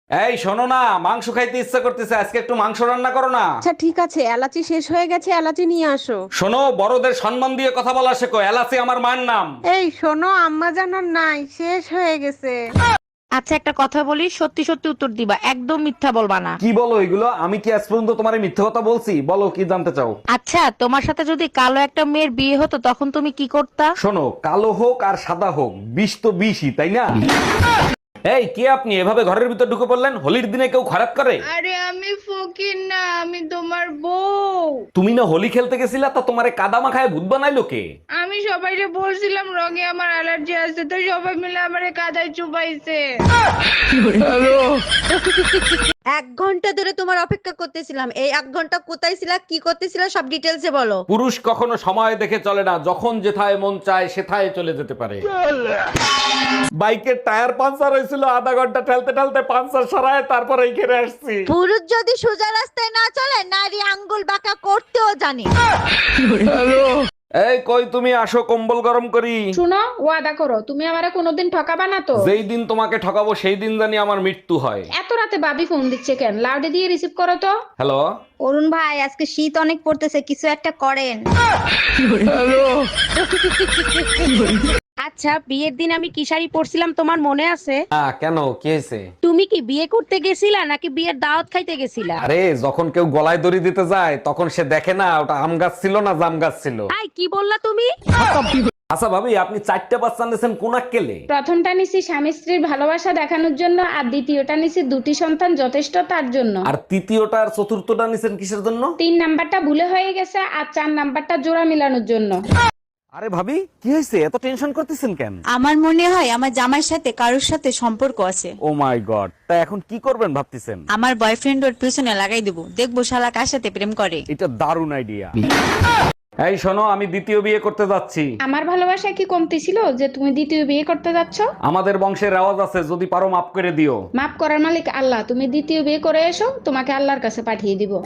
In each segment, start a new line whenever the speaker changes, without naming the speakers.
এই শোনো না, মাংস খাইতে ইচ্ছা করতেছে, আজকে একটু মাংস রান্না করো না।
আচ্ছা ঠিক আছে, এলাচি শেষ হয়ে গেছে, এলাচি নিয়ে আসো।
শোনো, বড়দের সম্মান দিয়ে কথা বলা শেখো, এলাচি আমার মায়ের নাম।
এই শোনো, আম্মা জানার নাই, শেষ হয়ে গেছে। আচ্ছা একটা কথা বলি, সত্যি সত্যি উত্তর দিবা, একদম মিথ্যা বলবা না।
কি বলো এগুলো? আমি কি আজ পর্যন্ত তোমার মিথ্যে কথা বলছি? বলো কি জানতে চাও।
আচ্ছা তোমার সাথে যদি কালো একটা মেয়ের বিয়ে হতো তখন তুমি কি করতা?
শোনো, কালো হোক আর সাদা হোক, বিষ তো বিষই, তাই না? এই কে আপনি এভাবে ঘরের ভিতর ঢুকে পড়লেন? হোলির দিনে কেউ খারাপ করে?
আরে আমি ফকির না, আমি তোমার বউ।
তুমি না হোলি খেলতে গেছিলা, তা তোমারে কাদা মাখায় ভূত বানাইলো কে?
আমি সবাইকে বলছিলাম রঙে আমার অ্যালার্জি আছে, তো সবাই মিলে আমারে কাদায় চুবাইছে।
1 ঘন্টা ধরে তোমার অপেক্ষা করতেছিলাম। এই 1 ঘন্টা কোথায় ছিলা, কি করতেছিলা, সব ডিটেলসে বলো।
পুরুষ কখনো সময় দেখে চলে না, যখন যেথায় মন চায় সেথায় চলে যেতে পারে। বাইকের টায়ার পাঞ্চার হয়েছিল, আধা ঘন্টা ঠেলতে ঠেলতে পাঞ্চার সরায় তারপর এইখানে আসছি।
পুরুষ যদি সোজা রাস্তায় না চলে, নারী আঙ্গুল বাঁকা করতেও জানে।
এই কই তুমি, আসো কম্বল গরম করি।
শুনো, ওয়াদা করো তুমি আমারে কোনোদিন ঠকাবা না তো।
যেই দিন তোমাকে ঠকাবো সেই দিন জানি আমার মৃত্যু হয়।
এত রাতে ভাবি ফোন দিচ্ছে কেন? লাউডে দিয়ে রিসিভ করো তো।
হ্যালো।
অরুণ ভাই, আজকে শীত অনেক পড়তেছে, কিছু একটা করেন।
আচ্ছা বিয়ের দিন আমি কি শাড়ি পরছিলাম তোমার মনে আছে?
হ্যাঁ, কেন কি হয়েছে?
তুমি কি বিয়ে করতে গেছিলা নাকি বিয়ের দাওয়াত খাইতে গেছিলা?
আরে যখন কেউ গলায় দড়ি দিতে যায় তখন সে দেখে না ওটা আম গাছ ছিল না জাম গাছ ছিল।
আই কি বললা তুমি?
আচ্ছা ভাবি, আপনি 4টা বাচ্চা নিয়েছেন কোন আক্কেলে?
প্রথমটা নিছি স্বামী স্ত্রীর ভালোবাসা দেখানোর জন্য, আর দ্বিতীয়টা নিছি দুটি সন্তান যথেষ্ট তার জন্য।
আর তৃতীয়টা আর চতুর্থটা নিছেন কিসের জন্য?
3 নাম্বারটা ভুলে হয়ে গেছে, আর 4 নাম্বারটা জোড়া মিলানোর জন্য।
আরে ভাবি, কি হয়েছে? এত টেনশন করতেছেন কেন?
আমার মনে হয় আমার জামাইয়ের সাথে কারোর সাথে সম্পর্ক আছে।
ও মাই গড, তা এখন কি করবেন ভাবতেছেন?
আমার বয়ফ্রেন্ড ওর পিছনে লাগাই দেবো, দেখবো শালা কার সাথে প্রেম করে।
এটা দারুণ আইডিয়া। এই শোনো, আমি দ্বিতীয় বিয়ে করতে যাচ্ছি।
আমার ভালোবাসা কি কমতি ছিল যে তুমি দ্বিতীয় বিয়ে করতে যাচ্ছ?
আমাদের বংশের রেওয়াজ আছে, যদি পারো মাফ করে দিও।
মাফ করার মালিক আল্লাহ, তুমি দ্বিতীয় বিয়ে করে এসো, তোমাকে আল্লাহর কাছে পাঠিয়ে দিব।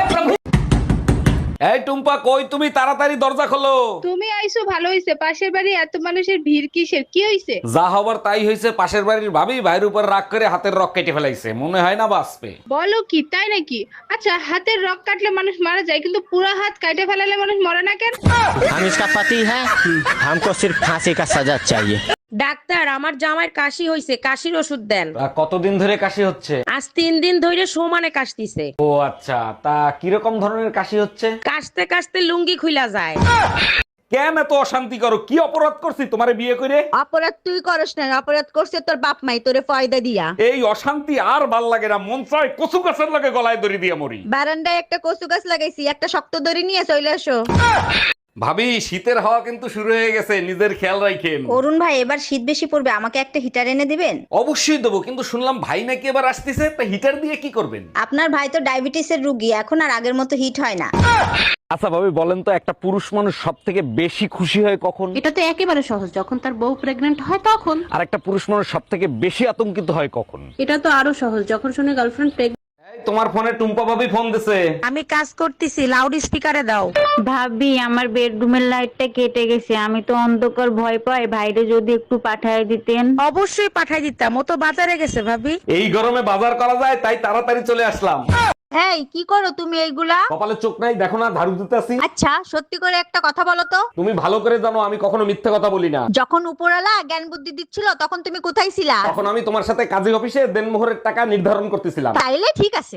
এই টুম্পা, কই তুমি? তাড়াতাড়ি দরজা খোলো।
তুমি আইসো ভালো হইছে, পাশের বাড়ি এত মানুষের ভিড় কিসের? কি হইছে?
যা হবার তাই হয়েছে, পাশের বাড়ির ভাবি ভাইয়ের উপর রাগ করে হাতের রক কেটে ফেলাইছে, মনে হয় না বাঁচবে।
বলো কি, তাই নাকি? আচ্ছা হাতের রক কাটলে মানুষ মারা যায়, কিন্তু পুরো হাত কাটে ফেলালে মানুষ মরে না কেন?
हम इसका पति है, हमको सिर्फ फांसी का सजा चाहिए।
ডাক্তার, আমার জামাইয়ের কাশি হইছে, কাশির ওষুধ দেন।
তা কতদিন ধরে কাশি হচ্ছে?
আজ 3 দিন ধরে সমানে কাশতিছে।
ও আচ্ছা, তা কিরকম ধরনের কাশি হচ্ছে?
কাশতে কাশতে লুঙ্গি খুইলা যায়।
কেন এত অশান্তি করো? কি অপরাধ করছি তোমারে বিয়ে করে?
অপরাধ তুই করস না, অপরাধ করছে তোর বাপ মাই তোরে ফয়দা দিয়া।
এই অশান্তি আর ভাল লাগে না, মন চায় কচু গাছের লাগে গলায় দড়ি দিয়ে মরি।
বারান্দায় একটা কচু গাছ লাগাইছি, একটা শক্ত দড়ি নিয়ে চলে আসো।
ভাবি, শীতের হাওয়া কিন্তু শুরু হয়ে গেছে, নিজের খেয়াল রাখেন।
অরুণ ভাই, এবার শীত বেশি পড়বে, আমাকে একটা হিটার এনে দিবেন?
অবশ্যই দেবো, কিন্তু শুনলাম ভাই নাকি এবার আসতেছে, তা হিটার দিয়ে কি করবেন?
আপনার ভাই তো ডায়াবেটিসের রুগী, এখন আর আগের মতো হিট হয় না।
আচ্ছা ভাবি, বলেন তো, একটা পুরুষ মানুষ সব থেকে বেশি খুশি হয় কখন?
এটা তো একেবারে সহজ, যখন তার বউ প্রেগন্যান্ট হয় তখন।
আর একটা পুরুষ মানুষ সব থেকে বেশি আতঙ্কিত হয় কখন?
এটা তো আরো সহজ, যখন শুনে গার্লফ্রেন্ড প্রেগন্যান্ট।
এই, তোমার ফোনে টুম্পা ভাবি ফোন দিছে।
আমি কাজ করতেছি, লাউড স্পিকারে দাও।
ভাবি আমার বেডরুমের লাইটটা কেটে গেছে, আমি তো অন্ধকার ভয় পাই, ভাইরে যদি একটু পাঠায় দিতেন।
অবশ্যই পাঠাই দিতাম, ও তো বাজারে গেছে ভাবি।
এই গরমে বাজার করা যায়, তাই তাড়াতাড়ি চলে আসলাম।
এই কি করো তুমি এইগুলা?
কপালে চোখ নাই, দেখো না ঝাড়ু দিতেছি।
আচ্ছা সত্যি করে একটা কথা বলো তো,
তুমি ভালো করে জানো আমি কখনো মিথ্যে কথা বলি না।
যখন উপরালা জ্ঞান বুদ্ধি দিচ্ছিল তখন তুমি কোথায় ছিলা?
তখন আমি তোমার সাথে কাজী অফিসে দেনমোহরের টাকা নির্ধারণ করতেছিলাম।
তাইলে ঠিক আছে।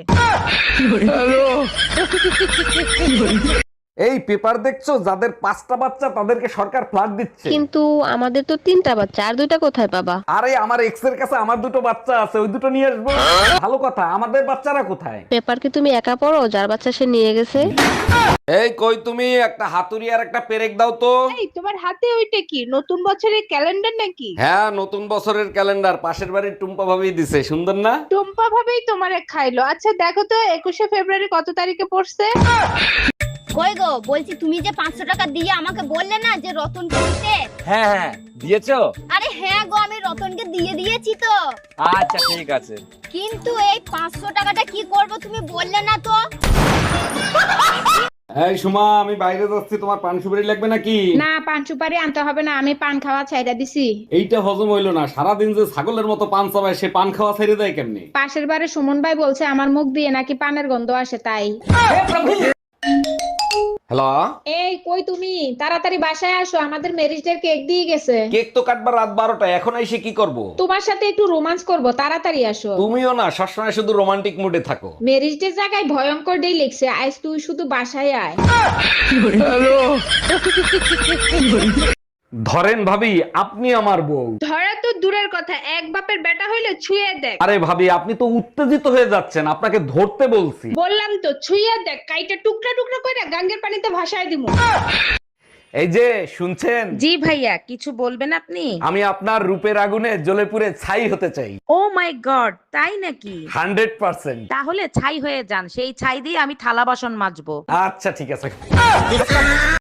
এই পেপার দেখছো, যাদের 5টা বাচ্চা তাদেরকে সরকার ফ্ল্যাট দিচ্ছে।
কিন্তু আমাদের তো 3টা বাচ্চা, আর 2টা কোথায় পাবা?
আরে আমার এক্স এর কাছে আমার 2টো বাচ্চা আছে, ওই 2টো নিয়ে আসবো। ভালো কথা, আমাদের বাচ্চারা কোথায়?
পেপার কি তুমি একা পড়ো? যার বাচ্চা সে নিয়ে গেছে।
এই কই তুমি, একটা হাতুড়ি আর একটা পেরেক দাও তো।
এই তোমার হাতে ওইটা কি, নতুন বছরের ক্যালেন্ডার নাকি?
হ্যাঁ, নতুন বছরের ক্যালেন্ডার, পাশের বাড়ির টুম্পা ভাবি দিছে, সুন্দর না?
টুম্পা ভাবেই তোমারে খাইলো। আচ্ছা দেখো তো 21শে ফেব্রুয়ারি কত তারিখে পড়ছে?
কই গো, বলছি তুমি যে 500 টাকা দিয়ে আমাকে বললে না যে রতনকে দিতে।
হ্যাঁ হ্যাঁ, দিয়েছো?
আরে হ্যাঁ গো, আমি রতনকে দিয়ে দিয়েছি তো।
আচ্ছা ঠিক আছে।
কিন্তু এই 500 টাকাটা কি করব তুমি বললে না তো।
এই সুমা, আমি বাইরে যাচ্ছি, তোমার পান সুপারি লাগবে নাকি?
না, পান সুপারি আনতে হবে না, আমি পান খাওয়া ছাইড়া দিছি।
এইটা হজম হইলো না, সারাদিন যে ছাগলের মতো পান চাবায়, সে পান খাওয়া ছেড়ে দেয় কেমনি?
পাশের বাড়ি সুমন ভাই বলছে আমার মুখ দিয়ে নাকি পানের গন্ধ আসে, তাই।
হ্যালো,
এই কই তুমি? তাড়াতাড়ি বাসায় আসো, আমাদের ম্যারেজ ডে কেক দিয়ে গেছে।
কেক তো কাটবার রাত 12টা, এখন এসে কি করব?
তোমার সাথে একটু রোমান্স করব, তাড়াতাড়ি আসো।
তুমিও না সবসময় শুধু রোমান্টিক মুডে থাকো।
ম্যারেজ ডে জায়গায় ভয়ঙ্কর ডে লিখছে, আজ তুই শুধু বাসায় আয়।
ধরেন ভাবি, আপনি আমার বউ।
ধরা তো দূরের কথা, এক বাপের বেটা হইলে ছুঁয়ে দেখ।
আরে ভাবি, আপনি তো উত্তেজিত হয়ে যাচ্ছেন, আপনাকে ধরতে বলছি।
বললাম তো ছুঁয়ে দেখ, কাইটা টুকরা টুকরা করে গাঙ্গের পানিতে ভাসায় দিমু।
এই যে শুনছেন,
জি ভাইয়া, কিছু বলবেন আপনি?
আমি আপনার রূপের আগুনে জ্বলে পুড়ে ছাই হতে চাই।
ও মাই গড, তাই নাকি?
100%।
তাহলে ছাই হয়ে যান, সেই ছাই দিয়ে আমি থালা বাসন মাজবো।
আচ্ছা ঠিক আছে।